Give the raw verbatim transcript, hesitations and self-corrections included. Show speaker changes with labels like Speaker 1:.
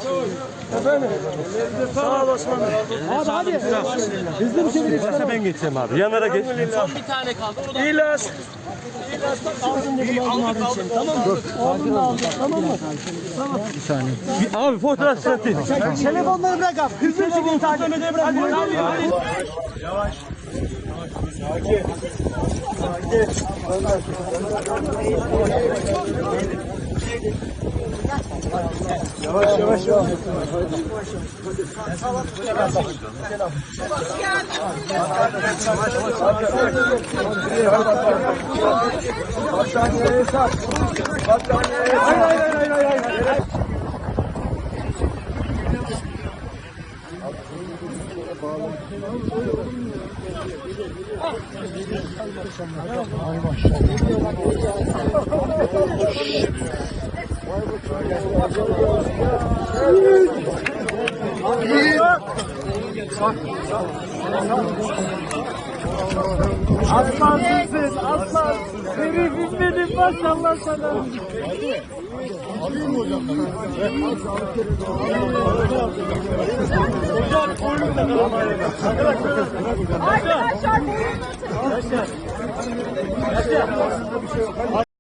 Speaker 1: Efendim. Sağ ol Osman Bey. Abi hadi. Hızlı bir şekilde çıkalım. Ben geçeceğim abi. Yanlara geç.
Speaker 2: Son bir tane kaldı. O da
Speaker 1: İlas. İlas bak aldın dedim aldın abi seni. Tamam mı? Oğlum da aldım. Tamam mı? Tamam. Bir saniye.
Speaker 3: Abi fotoğraf sıratı.
Speaker 1: Telefonları bırak abi. Hızlı bir şekilde takip edelim. Hadi.
Speaker 4: Yavaş. Sakin. Sakin. Yavaş yavaş yavaş. Battaniyeye sar. Battaniyeye sar. Hayır hayır hayır hayır.
Speaker 1: Aslansın siz, aslan. Seni bilmedim maşallah sana.
Speaker 4: Alayım mı hocam?
Speaker 1: Arkadaşlar,